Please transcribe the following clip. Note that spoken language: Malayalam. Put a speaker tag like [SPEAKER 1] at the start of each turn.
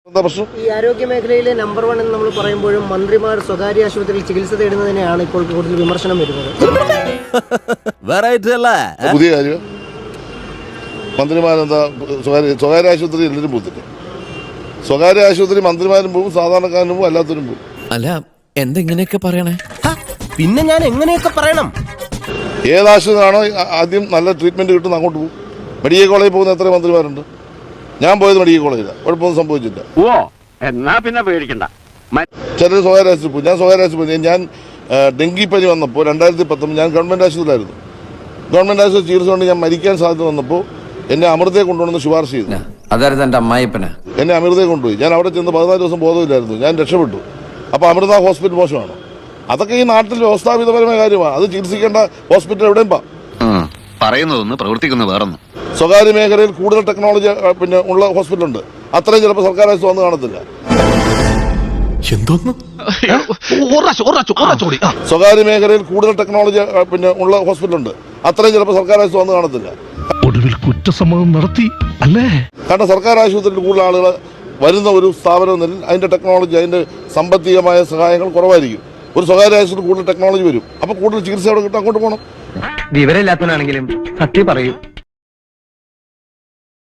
[SPEAKER 1] ഈ ആരോഗ്യ മേഖലയിലെ നമ്പർ 1 എന്ന് നമ്മൾ പറയുമ്പോഴും മന്ത്രിമാർ സ്വകാര്യ ആശുപത്രിയിൽ ചികിത്സ തേടുന്നതിനെയാണ് ഇപ്പോൾ കൂടുതൽ വിമർശനം വരുന്നത്.
[SPEAKER 2] പുതിയ കാര്യം മന്ത്രിമാരെന്താ സ്വകാര്യ ആശുപത്രി എല്ലാവരും പോകത്തില്ല. സ്വകാര്യ ആശുപത്രി മന്ത്രിമാരും പോകും, സാധാരണക്കാരനും പോകും, അല്ലാത്തവരും പോകും.
[SPEAKER 3] അല്ല എന്തെങ്ങനെയൊക്കെ പറയണേ?
[SPEAKER 4] പിന്നെ ഞാൻ എങ്ങനെയൊക്കെ പറയണം?
[SPEAKER 2] ഏതാശുപത്രിയാണോ ആദ്യം നല്ല ട്രീറ്റ്മെന്റ് കിട്ടുന്ന അങ്ങോട്ട് പോകും. മെഡിക്കൽ കോളേജിൽ പോകുന്ന എത്ര മന്ത്രിമാരുണ്ട്? ഞാൻ പോയത് മെഡിക്കൽ കോളേജിലാണ്, കുഴപ്പമൊന്നും സംഭവിച്ചില്ല.
[SPEAKER 5] എന്നാ പിന്നെ പേടിക്കണ്ട.
[SPEAKER 2] ചിലർ സ്വകാര്യ ആശുപത്രി പോകും. ഞാൻ സ്വകാര്യ ആശുപത്രി ഞാൻ ഡെങ്കിപ്പനി വന്നപ്പോൾ 2019 ഞാൻ ഗവൺമെന്റ് ആശുപത്രിയിലായിരുന്നു. ഗവൺമെന്റ് ആശുപത്രി ചികിത്സ കൊണ്ട് ഞാൻ മരിക്കാൻ സാധ്യത വന്നപ്പോൾ എന്നെ അമൃതയെ കൊണ്ടുവന്ന് ശുപാർശ ചെയ്തു.
[SPEAKER 3] അതായത് എന്റെ അമ്മായിപ്പന
[SPEAKER 2] എന്നെ അമൃതയെ കൊണ്ടുപോയി. ഞാൻ അവിടെ ചെന്ന് 14 ദിവസം ബോധമില്ലായിരുന്നു. ഞാൻ രക്ഷപ്പെട്ടു. അപ്പോൾ അമൃത ഹോസ്പിറ്റൽ മോശമാണ്. അതൊക്കെ ഈ നാട്ടിൽ വ്യവസ്ഥാപിതപരമായ കാര്യമാണ്. അത് ചികിത്സിക്കേണ്ട ഹോസ്പിറ്റൽ എവിടെയും
[SPEAKER 6] പറയുന്നതൊന്ന് പ്രവർത്തിക്കുന്ന വേറൊന്നും.
[SPEAKER 2] സ്വകാര്യ മേഖലയിൽ കൂടുതൽ ടെക്നോളജി ഉള്ള ഹോസ്പിറ്റലുണ്ട്. അത്രയും ചിലപ്പോൾ സർക്കാർ ആശുപത്രി വന്ന് കാണത്തില്ല. സ്വകാര്യ മേഖലയിൽ കൂടുതൽ ടെക്നോളജി ഉള്ള ഹോസ്പിറ്റലുണ്ട്. അത്രയും ചിലപ്പോൾ സർക്കാർ ആശുപത്രി വന്ന് കാണത്തില്ല.
[SPEAKER 7] ഒടുവിൽ കുറ്റസമ്മതം നടത്തി അല്ലേ?
[SPEAKER 2] കാരണം സർക്കാർ ആശുപത്രിയിൽ കൂടുതൽ ആളുകൾ വരുന്ന ഒരു സ്ഥാപനം എന്നതിൽ അതിന്റെ ടെക്നോളജി, അതിന്റെ സാമ്പത്തികമായ സഹായങ്ങൾ കുറവായിരിക്കും. ഒരു സ്വകാര്യ ആശുപത്രി കൂടുതൽ ടെക്നോളജി വരും. അപ്പോൾ കൂടുതൽ ചികിത്സ അവിടെ കിട്ടും, അങ്ങോട്ട് പോകണം.
[SPEAKER 4] വിവരമില്ലാത്തവനാണെങ്കിലും സത്യം പറയൂ.